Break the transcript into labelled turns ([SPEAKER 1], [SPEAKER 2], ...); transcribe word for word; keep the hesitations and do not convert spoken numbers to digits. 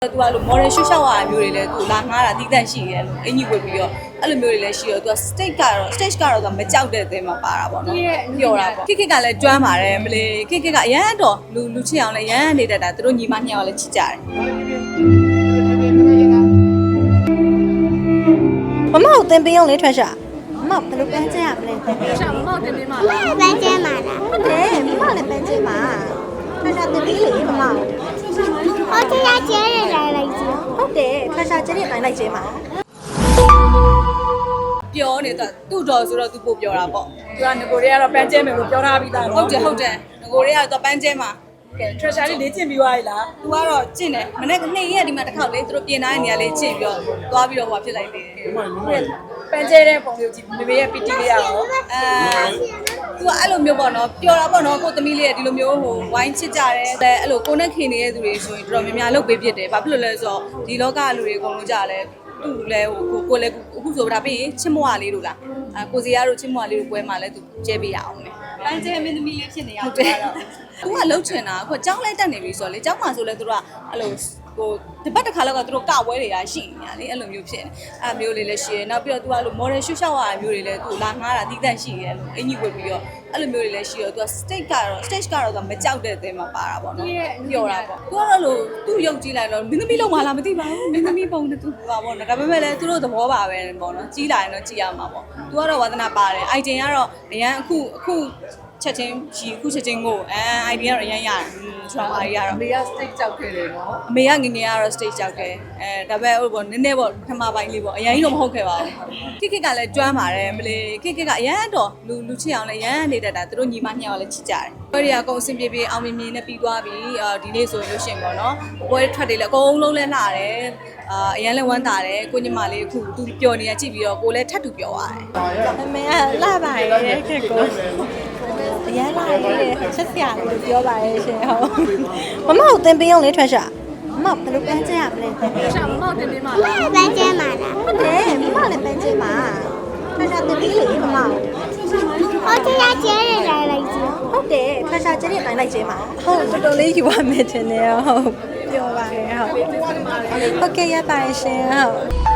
[SPEAKER 1] သူကလို့ model ရှုပ်ရှောက်ရတာမျိုးတွေလည်းသူလာငားတာတိတန့်ရှိရဲလို့အင်ကြီးဝတ်ပြီးတော့အဲ့လိုမျိုးတွေလည်းရှိတော့သူက stage ကတော့ stage ကတော့သူမကြောက်တဲ့အသင်းမှာပါတာပေါ့နော်ပြောတာပေါ့ခိခိကလည်းကျွမ်းပါတယ်မလေးခိခိကအရန်တော့လူလူချစ်အောင်လည်းရန်နေတတ်တာသူတို့ညီမနှစ်ယောက်လည်းချစ်ကြတယ်
[SPEAKER 2] မမကိုတင်ပေးအောင်လေထွက်ရှာမမဘယ်လိုပန်းကျင်းရမလဲ
[SPEAKER 1] ရှာမမကိုတင်ပေးမှာလား
[SPEAKER 2] ပန်းကျင်းပါလားဟုတ်တယ်မမလည်းပန်းကျင်းပါထွက်ရှာတင်ပေးလေမမဟုတ်တယ်ကျဲရလိုက်လိုက်ချင်းဟုတ်တယ်ထွက်ရှာကျဲရလိုက်လိုက်ချင်းပါ
[SPEAKER 1] ပြောနေတာသူ့တော်ဆိုတော့သူပို့ပြောတာပေါ့သူကငကိုတွေကတော့ပန်းကျဲမယ်လို့ပြောထားပြီးသားဟုတ်တယ်ဟုတ်တယ်ငကိုတွေကတော့ပန်းကျဲမှာကဲ treasure လေးလေ့ကျင့်ပြီးသွားပြီလား။ तू ကတော့ကျင့်တယ်။မနေ့ကနေရက်ဒီမှာတစ်ခေါက်လေးသူတို့ပြင်ထားတဲ့နေရာလေးကျင့်ပြီးတော့သွားပြီးတော့ဟိုဖြစ်လိုက်သေးတယ်။ပန်းကျဲတဲ့ပုံလေးကိုကြည့်မေမေရဲ့ ပီ တီ လေးရအောင်။အဲ तू ကအဲ့လိုမျိုးပေါ့နော်ပျော်တာပေါ့နော်ကိုသမီးလေးကဒီလိုမျိုးဟိုဝိုင်းချစ်ကြတယ်။အဲ့လိုကိုနဲ့ခင်နေတဲ့သူတွေဆိုရင်တော်တော်များများလုပ်ပေးဖြစ်တယ်။ဘာဖြစ်လို့လဲဆိုတော့ဒီလောကလူတွေအကုန်လုံးကြတယ်။သူ့လည်းဟိုကိုကိုလည်းအခုဆိုတာပြီးရင်ချစ်မွားလေးတို့လား။အဲကိုစီရတို့ချစ်မွားလေးတို့ပွဲမှာလည်း तू ကျဲပေးရအောင်မယ်။ပန်းကျဲမင်းသမီးလေးဖြစ်နေအောင်တယ်။သူကလှုပ်ချင်တာအခုကြောင်းလိုက်တက်နေပြီဆိုတော့လေကြောင်းမှာဆိုလဲသူတို့ကအဲ့လိုဟိုတပတ်တစ်ခါလောက်ကသူတို့ကဝဲတွေကရှိနေတာလေအဲ့လိုမျိုးဖြစ်နေအဲ့မျိုးလေးလည်းရှိရနောက်ပြီးတော့သူကလို့ model ရှုပ်ရှောက်ရတာမျိုးတွေလည်းသူလာငားတာတိတန့်ရှိရဲလို့အင်ကြီးဝတ်ပြီးတော့အဲ့လိုမျိုးတွေလည်းရှိတော့သူက stage ကတော့ stage ကတော့သူမကြောက်တဲ့အသင်းမှာပါတာပေါ့နော်ပြောတာပေါ့သူကတော့လို့သူ့ရုပ်ကြည့်လိုက်တော့မင်းသမီးလုံးမလားမသိပါဘူးမင်းသမီးပုံနဲ့သူပါပေါ့နော်ဒါပေမဲ့လည်းသူတို့သဘောပါပဲပေါ့နော်ကြီးလာရင်တော့ကြည့်ရမှာပေါ့သူကတော့ဝါသနာပါတယ်အိုင်တင်ကတော့အရန်အခုအခုချက်ချင်းရှိခုချက်ချင်းကိုအဲ idea တော့အရင်ရတယ်ဆိုတော့ idea တော့
[SPEAKER 3] အမေက stage ကြောက်ခဲ့တယ်နော်
[SPEAKER 1] အမေကငငယ်ကတော့ stage ကြောက်ခဲ့အဲဒါပေမဲ့ဟိုပေါ့နည်းနည်းပေါ့ပထမပိုင်းလေးပေါ့အရင်ကြီးတော့မဟုတ်ခဲ့ပါဘူးခိခိကလည်းကျွမ်းပါတယ်မလေးခိခိကအရင်တော့လူလူချစ်အောင်လည်းရန်နေတတ်တာသူတို့ညီမနှစ်ယောက်လည်းချစ်ကြတယ်ပွဲတွေအကုန်အဆင်ပြေပြေအောင်မြင်မြင်နဲ့ပြီးသွားပြီဒီနေ့ဆိုရင်လို့ရှင်ပေါ့နော်ပွဲထွက်တွေလည်းအကုန်လုံးလဲလှတယ်အာအရင်လည်းဝမ်းသာတယ်ကိုညီမလေးအခုသူပျော်နေတာကြည့်ပြီးတော့ကိုလည်းထပ်တူပျော်ရတယ်
[SPEAKER 2] အမေကလှပါရဲ့ခက်ကိုအရန်လာရဲ့ချက်စရာလို့ပြောပါရဲ့ရှင်ဟုတ်မမကိုတင်ပေးအောင်လေထွက်ရှာမမဘယ်လိုပန်းကျင်းရမလဲ
[SPEAKER 1] ရှာမမကိုတင်ပေးမှာလား
[SPEAKER 2] ပန်းကျင်းပါလားဟုတ်တယ်မမလည်းပန်းကျင်းပါထွက်ရှာတင်ပေးလေမမဟုတ်တယ်ကျဲရလိုက်လိုက်ချင်းဟုတ်တယ်ထွက်ရှာကျဲရလိုက်လိုက်ချင်းပါဟုတ်တော်တော်လေးယူပါမယ်ထင်တယ်ဟုတ်ပြောပါရဲ့ဟုတ်ဟုတ်ကဲ့ရပါရှင်ဟုတ်